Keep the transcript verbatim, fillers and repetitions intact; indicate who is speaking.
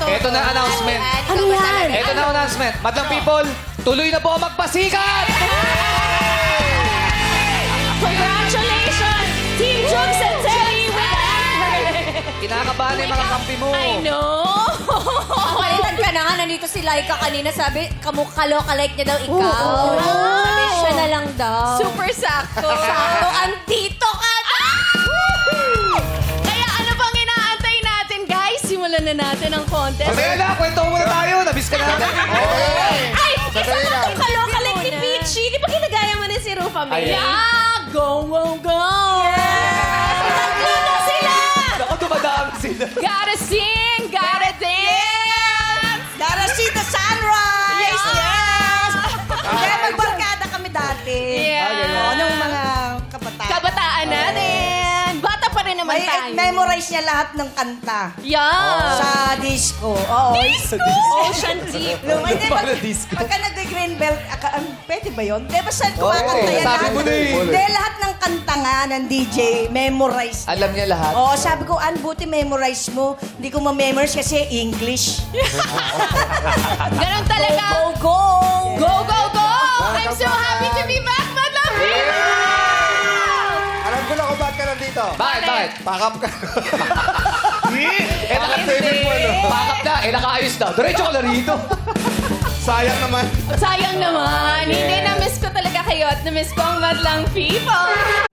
Speaker 1: Ito na announcement.
Speaker 2: Ano yan?
Speaker 1: Ito na announcement. Madlang people, tuloy na po ang magpasikat!
Speaker 2: Congratulations, Team Jokes and Telly with Amber!
Speaker 1: Kinakabahan na yung mga kampi mo.
Speaker 2: I know!
Speaker 3: Palitan ka na nga. Nandito si Laika kanina. Sabi, kamukha loka-like niya daw ikaw.
Speaker 2: Oo.
Speaker 3: Sabi, siya na lang daw.
Speaker 2: Super sakto.
Speaker 3: Sakto, andito ka na!
Speaker 2: Kaya ano bang inaantay natin, guys? Simulan na natin ang contest.
Speaker 1: Mamaya na, kwento mo muna tayo. Nabis ka na natin.
Speaker 2: Ay, isa
Speaker 4: Sandali
Speaker 2: na
Speaker 4: lang.
Speaker 2: itong kalokalike ni Peachy. Di ba ginagaya mo na si Rufa May?
Speaker 1: Ayan.
Speaker 2: Yeah! Go, go, go! Tatlo na sila!
Speaker 1: Ako, dumadaan sila.
Speaker 2: Gotta sing, gotta dance!
Speaker 3: Gotta see the sunrise!
Speaker 2: Yes, yes!
Speaker 3: Kaya magbarkada kami dati.
Speaker 2: Yeah.
Speaker 3: Nung mga kabataan.
Speaker 2: Kabataan natin. Bata pa rin naman
Speaker 3: May
Speaker 2: tayo.
Speaker 3: memorize niya lahat ng kanta.
Speaker 2: Yeah.
Speaker 3: Sa disco. Oo.
Speaker 2: Ocean Deep.
Speaker 3: Nung, hindi, pag,
Speaker 1: Para disco.
Speaker 3: pagka nag-green belt, aka, um, pwede ba yun? Di ba siya kumakanta
Speaker 1: Oo,
Speaker 3: yan?
Speaker 1: sabi
Speaker 3: lahat?
Speaker 1: mo na eh.
Speaker 3: Hindi, lahat ng kanta nga ng D J, memorize.
Speaker 1: Alam niya lahat.
Speaker 3: Oo, sabi ko, Ann, buti memorize mo. Hindi ko ma-memorize kasi English.
Speaker 2: Ganun talaga.
Speaker 3: Go, go, go!
Speaker 2: Go, go, go! I'm so happy to be back, Madlang People!
Speaker 4: Alam ko na kung ba't ka nandito.
Speaker 1: Bakit, bakit?
Speaker 4: Pakap ka.
Speaker 1: Eh, naka
Speaker 4: Saving mo, no?
Speaker 1: Pakap na, eh, nakaayos na. Diretso ka na rito.
Speaker 4: Sayang naman.
Speaker 2: Sayang naman. Hindi, na-miss ko talaga kayo at na-miss ko ang Madlang People.